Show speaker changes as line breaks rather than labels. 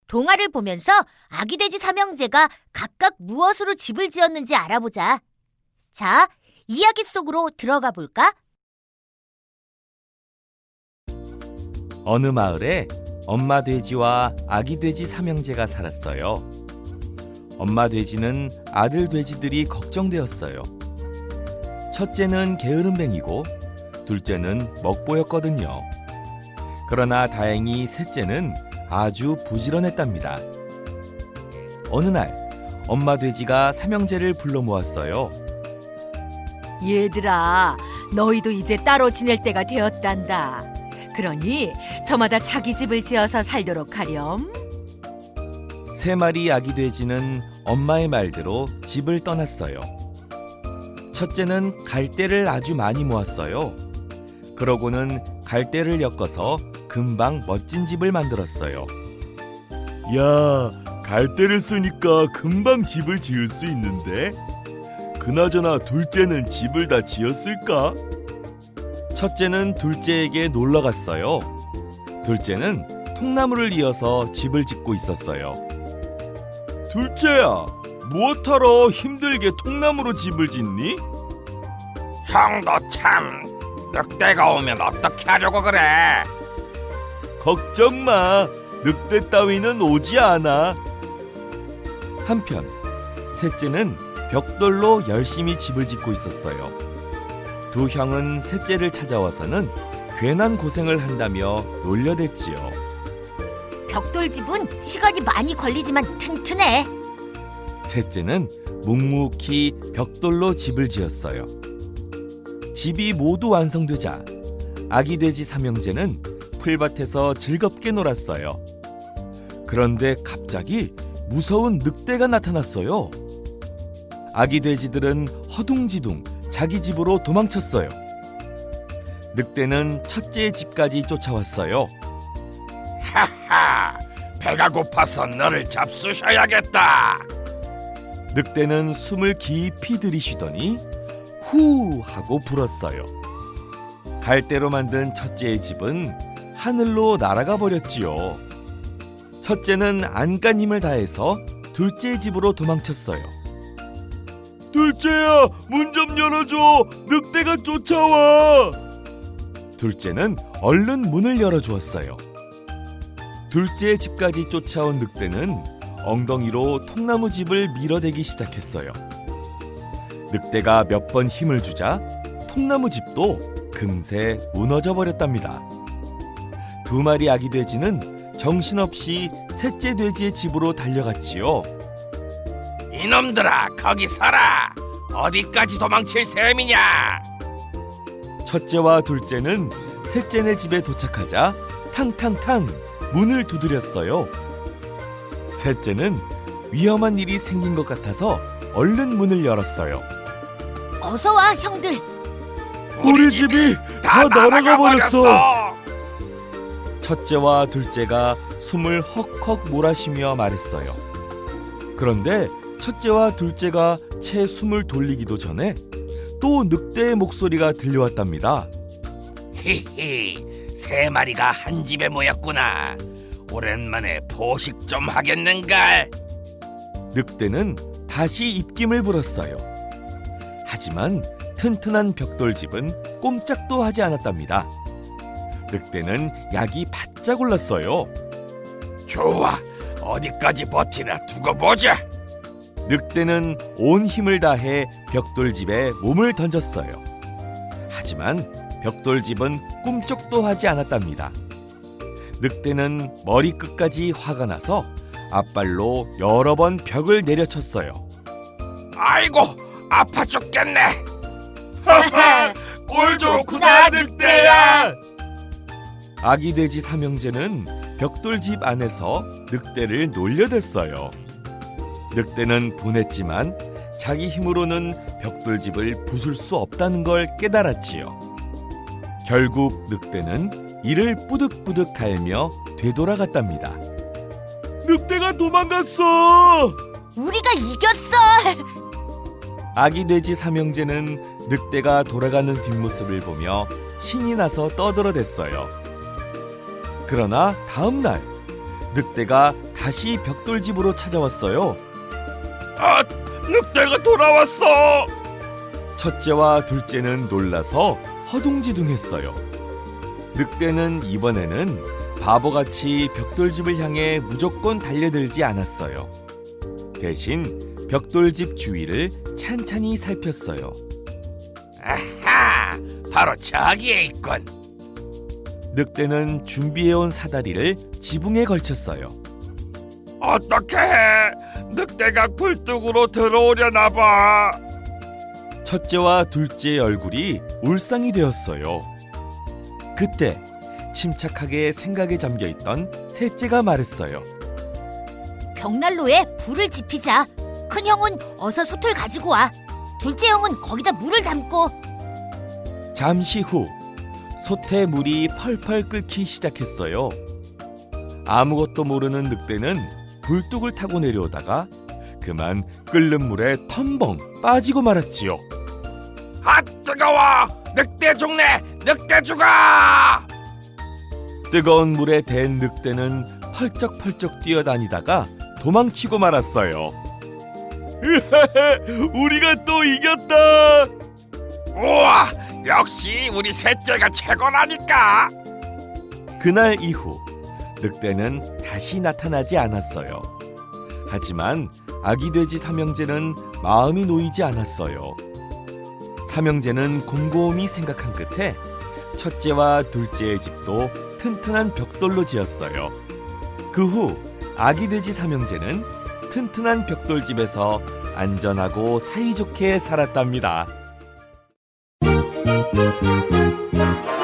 동화를 보면서 아기 돼지 삼형제가 각각 무엇으로 집을 지었는지 알아보자. 자, 이야기 속으로 들어가 볼까?
어느 마을에 엄마 돼지와 아기 돼지 삼형제가 살았어요. 엄마 돼지는 아들 돼지들이 걱정되었어요. 첫째는 게으름뱅이고 둘째는 먹보였거든요. 그러나 다행히 셋째는 아주 부지런했답니다. 어느 날 엄마 돼지가 삼형제를 불러 모았어요.
얘들아, 너희도 이제 따로 지낼 때가 되었단다. 그러니 저마다 자기 집을 지어서 살도록 하렴.
세 마리 아기 돼지는 엄마의 말대로 집을 떠났어요. 첫째는 갈대를 아주 많이 모았어요. 그러고는 갈대를 엮어서 금방 멋진 집을 만들었어요. 야, 갈대를 쓰니까 금방 집을 지을 수 있는데? 그나저나 둘째는 집을 다 지었을까? 첫째는 둘째에게 놀러 갔어요. 둘째는 통나무를 이어서 집을 짓고 있었어요. 둘째야, 무엇하러 힘들게 통나무로 집을 짓니?
형도 참 늑대가 오면 어떻게 하려고 그래?
걱정 마, 늑대 따위는 오지 않아. 한편 셋째는 벽돌로 열심히 집을 짓고 있었어요. 두 형은 셋째를 찾아와서는 괜한 고생을 한다며 놀려댔지요.
벽돌집은 시간이 많이 걸리지만 튼튼해.
셋째는 묵묵히 벽돌로 집을 지었어요. 집이 모두 완성되자 아기 돼지 삼형제는 풀밭에서 즐겁게 놀았어요. 그런데 갑자기 무서운 늑대가 나타났어요. 아기 돼지들은 허둥지둥 자기 집으로 도망쳤어요. 늑대는 첫째의 집까지 쫓아왔어요.
하하, 배가 고파서 너를 잡수셔야겠다.
늑대는 숨을 깊이 들이쉬더니 후 하고 불었어요. 갈대로 만든 첫째의 집은 하늘로 날아가 버렸지요. 첫째는 안간 힘을 다해서 둘째의 집으로 도망쳤어요. 둘째야, 문 좀 열어줘. 늑대가 쫓아와. 둘째는 얼른 문을 열어주었어요. 둘째의 집까지 쫓아온 늑대는 엉덩이로 통나무 집을 밀어대기 시작했어요. 늑대가 몇 번 힘을 주자 통나무 집도 금세 무너져 버렸답니다. 두 마리 아기 돼지는 정신없이 셋째 돼지의 집으로 달려갔지요.
이놈들아, 거기 서라. 어디까지 도망칠 셈이냐?
첫째와 둘째는 셋째네 집에 도착하자 탕탕탕 문을 두드렸어요. 셋째는 위험한 일이 생긴 것 같아서 얼른 문을 열었어요.
어서 와, 형들.
우리 집이 다 날아가 버렸어.
버렸어.
첫째와 둘째가 숨을 헉헉 몰아쉬며 말했어요. 그런데 첫째와 둘째가 채 숨을 돌리기도 전에 또 늑대의 목소리가 들려왔답니다.
히히, 세 마리가 한 집에 모였구나. 오랜만에 포식 좀 하겠는걸.
늑대는 다시 입김을 불었어요. 하지만 튼튼한 벽돌집은 꼼짝도 하지 않았답니다. 늑대는 약이 바짝 올랐어요.
좋아, 어디까지 버티나 두고 보자.
늑대는 온 힘을 다해 벽돌집에 몸을 던졌어요. 하지만 벽돌집은 꿈쩍도 하지 않았답니다. 늑대는 머리끝까지 화가 나서 앞발로 여러 번 벽을 내려쳤어요.
아이고, 아파 죽겠네.
꼴
좋구나, 늑대야.
아기 돼지 삼형제는 벽돌집 안에서 늑대를 놀려댔어요. 늑대는 분했지만 자기 힘으로는 벽돌집을 부술 수 없다는 걸 깨달았지요. 결국 늑대는 이를 뿌득뿌득 갈며 되돌아갔답니다. 늑대가 도망갔어!
우리가 이겼어.
아기 돼지 삼형제는 늑대가 돌아가는 뒷모습을 보며 신이 나서 떠들어댔어요. 그러나 다음 날 늑대가 다시 벽돌집으로 찾아왔어요.
아, 늑대가 돌아왔어.
첫째와 둘째는 놀라서 허둥지둥했어요. 늑대는 이번에는 바보같이 벽돌집을 향해 무조건 달려들지 않았어요. 대신 벽돌집 주위를 찬찬히 살폈어요.
아하, 바로 저기에 있군.
늑대는 준비해온 사다리를 지붕에 걸쳤어요.
어떡해? 늑대가 굴뚝으로 들어오려나 봐.
첫째와 둘째의 얼굴이 울상이 되었어요. 그때 침착하게 생각에 잠겨있던 셋째가 말했어요.
벽난로에 불을 지피자. 큰 형은 어서 솥을 가지고 와. 둘째 형은 거기다 물을 담고.
잠시 후 솥에 물이 펄펄 끓기 시작했어요. 아무것도 모르는 늑대는 굴뚝을 타고 내려오다가 그만 끓는 물에 텀벙 빠지고 말았지요.
아, 뜨거워! 늑대 죽네! 늑대 죽어!
뜨거운 물에 댄 늑대는 펄쩍펄쩍 뛰어다니다가 도망치고 말았어요. 우리가 또 이겼다!
우와, 역시 우리 셋째가 최고라니까.
그날 이후 늑대는 다시 나타나지 않았어요. 하지만 아기 돼지 삼형제는 마음이 놓이지 않았어요. 삼형제는 곰곰이 생각한 끝에 첫째와 둘째의 집도 튼튼한 벽돌로 지었어요. 그 후 아기 돼지 삼형제는 튼튼한 벽돌집에서 안전하고 사이좋게 살았답니다.